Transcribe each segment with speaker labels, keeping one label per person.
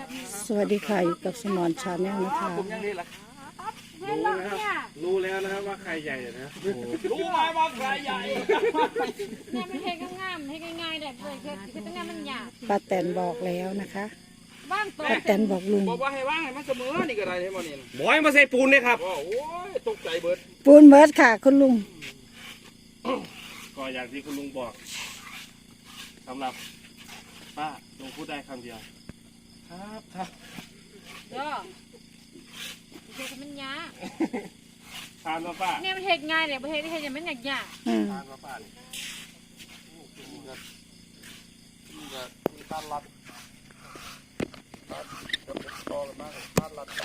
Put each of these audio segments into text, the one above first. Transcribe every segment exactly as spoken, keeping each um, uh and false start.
Speaker 1: สวัสดีค่ะอยู่กับสมอนชาแนลนะคะ
Speaker 2: ผมยังนี่แหละ
Speaker 3: รู้นะครับรู้แล้วนะครับว่าใครใหญ่นะ
Speaker 2: รู้ไหมว่าใครใหญ่
Speaker 4: เนี่ยมันเทงามๆให้ง่ายๆแบบเลยคือคือตั้งแต่มันหยาบ
Speaker 1: ป้าแตนบอกแล้วนะคะ
Speaker 4: บ้างตัว
Speaker 1: ป้าแตนบอกลุง
Speaker 2: บอกว่าให้ว่างให้มันเสมอนี่ก็ได้ให้มันนี่
Speaker 3: บอยมาใส่ปูนเลยครับ
Speaker 2: โอ้ยตกใจเบิด
Speaker 1: ปูนเบิร์ดค่ะคุณลุง
Speaker 3: ก็อย่างที่คุณลุงบอกสำหรับป้าลุงพูดได้คำเดียวครับครับ
Speaker 4: เด้อเทมันหยาบ
Speaker 3: ทานมาป้า
Speaker 4: เนี่ยมันเทง่ายเลยประเทศที่เทจะมันหยาบหยาบ
Speaker 1: อืม
Speaker 3: ทานมาป้านี่
Speaker 2: นี่ก็ต้านรัดต่อกันมากต้านรัด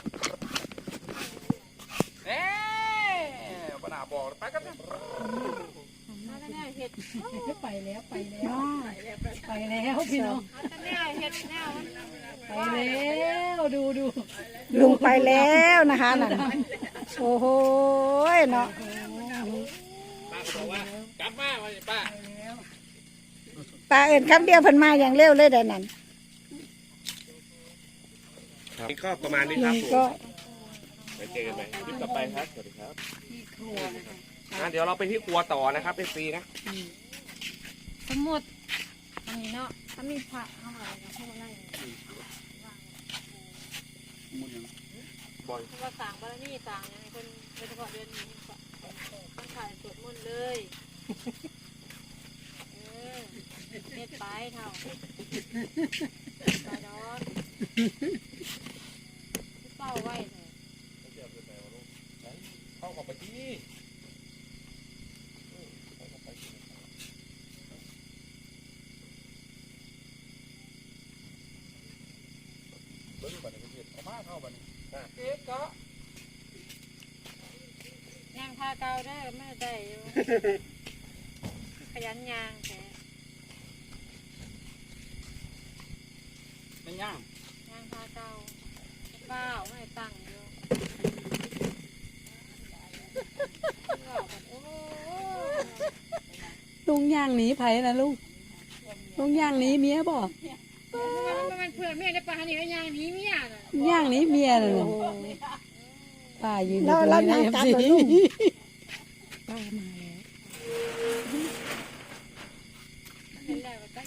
Speaker 2: เอ๊ะปัญหาบอกไปกันนะ
Speaker 4: มาแต่เนี่ยเห็ด
Speaker 5: ไปแล้วไปแล้วไปแล้วพี่น้อง
Speaker 4: มาแต่เนี่ยเห็ดแนวมัน
Speaker 5: ไปแล้วดูดู
Speaker 1: ลุงไปแล้วนะคะนั่นโอ้โหเนาะ
Speaker 2: ป้าก็บอกว่ากลับมาวันนี้ป้า
Speaker 1: ป้าเอิญคำเดียวเพิ่นมาอย่างเร็วเลยเดี๋ยวนั้น
Speaker 3: นี่ก็ประมาณนี้ค
Speaker 1: ลุ
Speaker 3: รับ
Speaker 1: ง
Speaker 3: ผม
Speaker 1: ก็
Speaker 3: ไปเจอกันใหม่คลิปต่อไปครับสวัสดีครับอ่ะเดี๋ยวเราไปที่ครัวต่อนะครับเป็นฟรีนะ
Speaker 4: สมุดตรงนี้เนาะถ้ามีผักเข้ามาเข้ามาไล่
Speaker 3: บอย
Speaker 4: เพราะว่าต่างบารนี่ต่างอย่างคนโดยเฉพาะเดือนนี้ต้องถ่ายสวดมนต์เลยเออเม็ดไปเท่าไปดอนเป้าไว้เลย
Speaker 2: เข้ากับไปที่เบิ้งบันนี้เอามาเข้าบันนี้เอ๊ะก็
Speaker 4: ยางพาเกาได้ไม่ได้อยู่ ขยันยางแต่
Speaker 2: ไม่ย่าง
Speaker 4: ยางพาเกาเปล่าไม่ตั้งอยู่โอ้
Speaker 5: ลุงย่างหนีไผนะลุงลุงย่างหนีเมียบอก
Speaker 4: มันมันเพื่อนเมียได้ปลาหนีก็ยางหนีเมียน่ะ
Speaker 5: ย่างหนีเมียเลยนะป้ายืนอ
Speaker 1: เรา
Speaker 5: ยู่ตรง
Speaker 1: เรา
Speaker 5: นี้
Speaker 1: ยัง
Speaker 5: นะ
Speaker 1: กลับ
Speaker 5: เอฟ
Speaker 1: เหรอ
Speaker 5: ซี
Speaker 1: ลุง
Speaker 4: เห็นแล้วตั้ง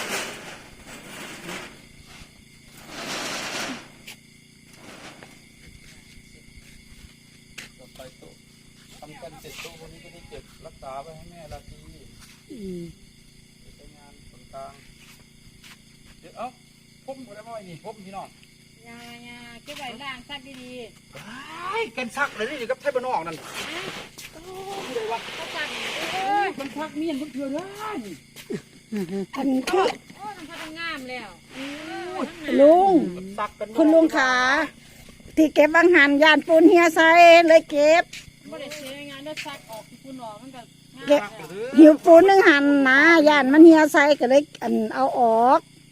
Speaker 2: ต่อไปโต๊ะทำกันเสร็จโต๊ะวันนี้ก็ได้เก็บรักษาไว้ให้แม่ลาที
Speaker 5: อืม
Speaker 2: ใช้งานส่วนกลางเดี๋ยวเอ้าผมก็ได้มาไว้นี่ผมพี่น้อง
Speaker 4: ยายาเก็บไว้ล่างซักดี
Speaker 2: ไอ้กันซักเลยนี่กับไทยบ้านนอกนั่น
Speaker 4: ๆเขาซักเอ้ย
Speaker 2: มันซักเมียนมันเถื่อนเลย
Speaker 1: อันคือ
Speaker 4: โอ้มันพัฒงามแล้ว
Speaker 1: ลุง
Speaker 2: ซักกัน
Speaker 1: คุณลุงขาที่เก็บบางหันยานปูนเฮียใส่เลยเก็บ
Speaker 4: ไม่ได้เสียงานได้ซักออกที่คุณออกมันก็งาม
Speaker 1: เก็บ
Speaker 4: แล้ว
Speaker 1: หิวปูนหนึ่งหันนะยานมันเฮียใส่ก็เลยอันเอาออก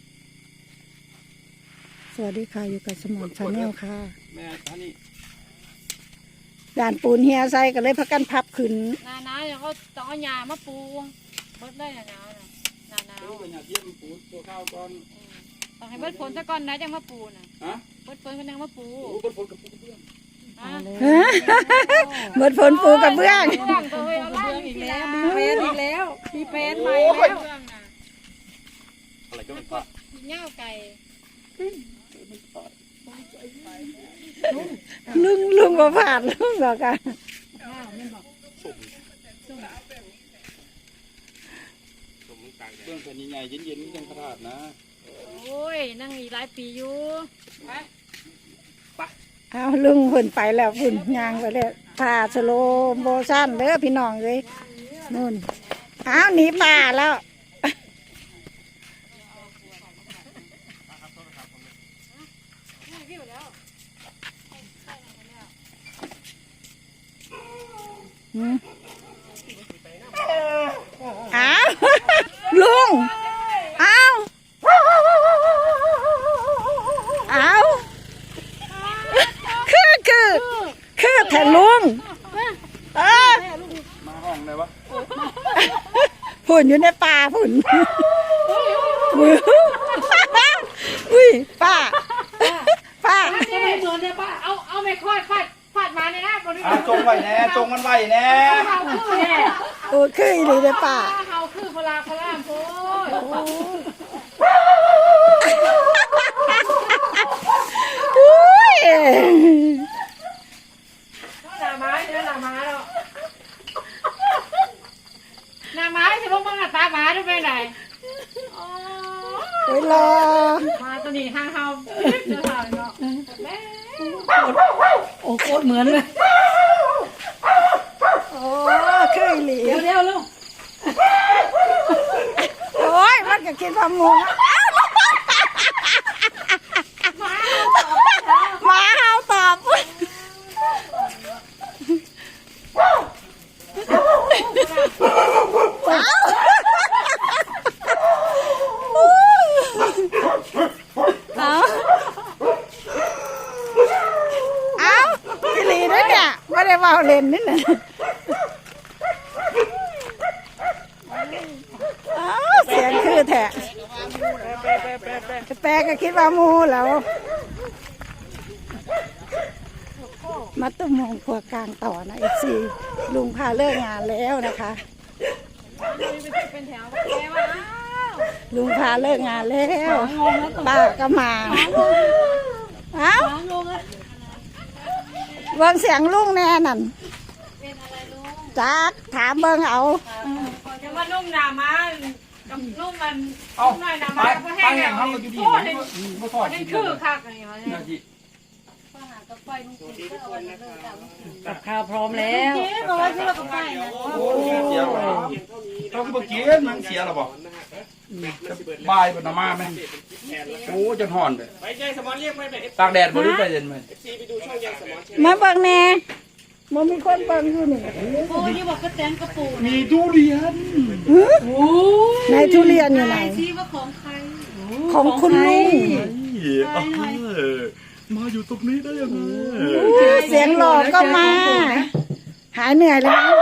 Speaker 1: สวัสดีค่ะอยู่กับสมอนชาแนลค่ะ
Speaker 2: แม่ท่านนี่
Speaker 1: ยานปูนเฮียใส่ก็เลยพักกันพับขึ้น
Speaker 4: หนาหนาวอย่างเขาต้องเอาหญ้ามาปูเบิดได้หนาหนาวน่ะหนาหนาว
Speaker 2: รู้กันอยากเยี่ยมปูตัวข้าวก่อน
Speaker 4: ต้องให้เบิดฝนซะก่อนนะจังมาปูน่ะ
Speaker 2: ฮะ
Speaker 4: เบิดฝนก็ยังมาปู
Speaker 2: รู้บนฝนกับปูเพื่อน
Speaker 4: อ่ะ
Speaker 1: ฮะหมดฝนปูกับเบื้อง
Speaker 4: เรื่องตัวเฮ้ยเอาไล่
Speaker 5: อี
Speaker 4: อี
Speaker 5: ก
Speaker 4: ก
Speaker 5: แล้
Speaker 4: แล้ว ว
Speaker 5: มีแฟนอีกแล้วมีแฟนใหม่
Speaker 4: เรื่
Speaker 5: แล้ว
Speaker 4: องน่ะ
Speaker 3: อะไรก็
Speaker 4: มั
Speaker 3: ไม่
Speaker 4: น
Speaker 3: ป้า
Speaker 4: ก็เหง้าไก่
Speaker 1: ลุงลุงบ่ผ่านลุงบอกกัน
Speaker 3: สมต่าง
Speaker 2: เรื่องแผ่นใหญ่เย็นๆนี่ยังขนาดนะ
Speaker 4: โอ้ยนั่งอีกหลายปีอยู่ไป
Speaker 1: เอาลุงหุ่นไปแล้วหุ่นยางไปแล้วผ่าสโลโมชั่นเด้อพี่น้องเลยนู่นอ้าวหนีป่าแล้วอืมอ้าวลุงอ้าวอ้าวคือคือคือแทนลุงเออ
Speaker 2: มาห้องเลยวะ
Speaker 1: ผุ่นอยู่ในป่าผุ่นมืออุ้ยป้า
Speaker 2: อ่ะจงไว้แน่จงมันไว้แน่
Speaker 4: เขาคือแน่
Speaker 1: โอ้คืออีหลีเด้อป้า
Speaker 4: เขาคือพลาพลามโพด
Speaker 1: อุ้ย
Speaker 4: หน้าไม้เนื้อหน้าไม้เนาะหน้าไม้ที่พวกมึงอะตาหมาด้วยไปไหนอ๋อ
Speaker 1: ไปรอ
Speaker 4: มาตัวนี้ห้างเฮาเจอสาวเนาะแม่
Speaker 5: โอ้โคตรเหมือนเลย
Speaker 1: โอ้คืออีหลี
Speaker 5: เดี๋ยวเดี๋ยวลูก
Speaker 1: โอ้ยมันก็กินพะมูหมาเฮาตอบเอาเอาอีหลีด้วยเนี่ยไม่ได้เว่าเล่นนี่นะอ้าวเสียงคือแทะแปลก็คิดว่าหมูแล้ว มาตุ้มมองครัวกลางต่อนะเอฟซีลุงพาเลิกงานแล้วนะคะ
Speaker 4: เป็นแถวแกว่าอ้าว
Speaker 1: ลุงพาเลิกงานแล้วป้าก็มาเอ้าเบิ่งเสียงลุงแน่นั่นจักถามเบิ่งเอา
Speaker 4: จะว่านุ่มหนามากับนุ่มมัน
Speaker 2: เอา
Speaker 4: หน่อยหนา
Speaker 2: ไป
Speaker 4: มาก็
Speaker 2: ไป
Speaker 4: แห้ง
Speaker 2: แห้
Speaker 4: แล้
Speaker 2: ง
Speaker 4: ว
Speaker 2: เขาอยู่ดี
Speaker 4: โอ้ย
Speaker 2: บ่ทอด
Speaker 4: นี่
Speaker 2: กิน
Speaker 4: คือคักอะไรวะเนี่ย
Speaker 2: นาที
Speaker 5: กับข้าวพร้อมแล้ว
Speaker 4: เจ๊บอกว่าที่เรากับไปนะ
Speaker 2: โอ้ยเสียแล้วเขาก็บ่กินมันเสียแล้วบ่บายบ่นมาแม่โอ้จนห่อนเลย
Speaker 3: ไปใจสมอนเรียกไปแบบ
Speaker 2: ตากแดดบ่ได้ไปเย็นมั้ย
Speaker 3: ซีไปดูช่องยังสมอน
Speaker 1: มาเบิ่งแน่บ่มีคนเบิ่งอยู่นี่
Speaker 4: โอ้ยนี่บอกก็แตนกระปู
Speaker 2: มีทุเรียน
Speaker 1: หือในทุเรียนอยู่ไหน
Speaker 4: ที่ว่าของใคร
Speaker 1: ของคุณลุง
Speaker 2: มาอยู่ตรงนี้ได้ยังไง
Speaker 1: เสียงหลอกก็มา หายเหนื่อยแล้วมั้ง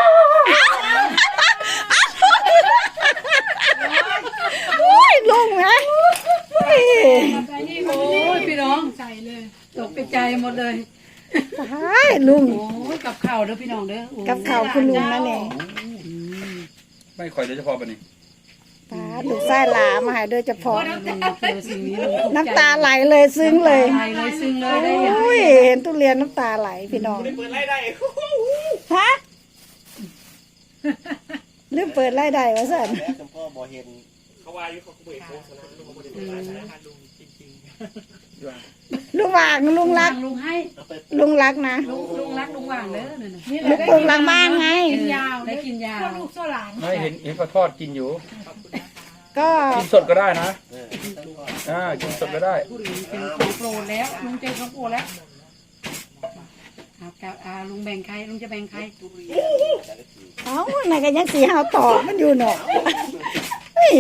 Speaker 1: โอ้ยลุงนะโอ้ย
Speaker 5: โอ้ยพี่น้องใจเลยตกใจหมดเลย
Speaker 1: ตายลุง
Speaker 5: โอ้ยกับข้าวเด้อพี่น้องเด้อโอ้ย
Speaker 1: กับข่าวคุณลุงนั่นเอง
Speaker 2: ไม่ค่อยโดยเฉพาะบัดนี้
Speaker 1: ตาลูกไส้หลามาใหายโดยเฉพาะ
Speaker 5: เจอสิ่งนี้ลุง
Speaker 1: น้ำตาไหลเลยซึ้งเลย
Speaker 5: ไหลเลยซึ้งเลยได้ยัง
Speaker 1: โอ้ยเห็นทุเรียนน้ำตาไหลพี่น้อง
Speaker 3: เปิดไล่ได้
Speaker 1: ฮะลืมเปิดไล่ได้วะสัน
Speaker 3: แล้วจำพ่อบ่เห็นเขาว่าอยู่เขาเปิดโฆษณาเขาบ่ได้เปิดสารพัดลุงจริง
Speaker 1: ลุงวางลุงรัก
Speaker 5: ลุงให้
Speaker 1: ลุงรักนะ
Speaker 5: ลุงลุงรักลุงว่างเด้อนั่นน่ะ
Speaker 1: ลุงปลูกหลังบ้านไง
Speaker 5: ยาวได้กินยาว
Speaker 4: ลูกโซ่หลาน
Speaker 2: ไม่เห็นเห็นเขาทอดกินอยู่
Speaker 1: ก็
Speaker 2: กินสดก็ได้นะอ่ากินสดก็ได้
Speaker 5: เป็นของโปรดแล้วลุงเจอของโปรดแล้วครับครับอ่าลุงแบ่งใครลุงจะแบ่งใคร
Speaker 1: เอ้าไหนกันยังสีหาวต่อมันอยู่เนาะเฮ้ย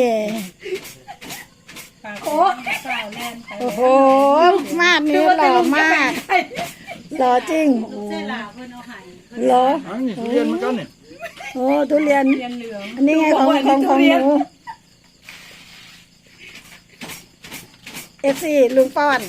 Speaker 5: โอ้
Speaker 1: โอ้โหมาดนี้หล่อมากหล่อจริง
Speaker 4: เส้นหลาเพื่อนเอาไห้
Speaker 1: เหรอ
Speaker 2: อันนี้ทุเรียนเหมือนกันเนี่ย
Speaker 1: โอ้ทุเรียน
Speaker 5: เรียนเหลือง
Speaker 1: อันนี้ไงของของของหนูเอฟซีลุงป้อน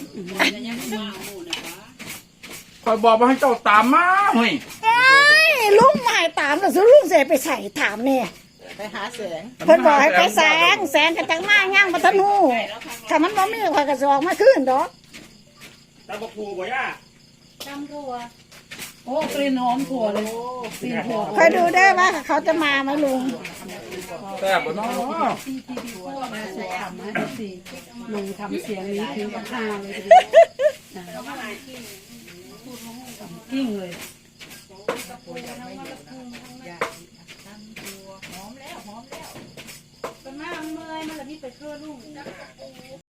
Speaker 2: คอยบอกมาให้เจ้าตามมาเฮ้ย
Speaker 1: เอ้ยลุงหมายตามแล้วสุลุงเสไปใส่ถามเนี่ย
Speaker 5: ไปหาแสง
Speaker 1: เพิ่นบอกให้ไปแสงแสงกันจังมาย่างมาทะนูถ้ามันบ่มีข่อยก็สิออกมาคืนดอก
Speaker 3: ตาบกพูบ่ย่า
Speaker 4: จำตัว
Speaker 5: โอ้กลิ่นหอมถั่วเลยกลิ่นถั่ว
Speaker 1: คอยดูได้ว่าเขาจะมาไหมลุง
Speaker 2: แซ่บบ่เนาะ
Speaker 5: ที่ที่ดีพวกมาสุดทำนะดูสิลุงทำเสียงนี้ถึงกับห้าเลยทีเดียวกิ้งเลย
Speaker 4: เป็นมาเมื่อยมาแล้วนี่ไปเคลื่อนลูก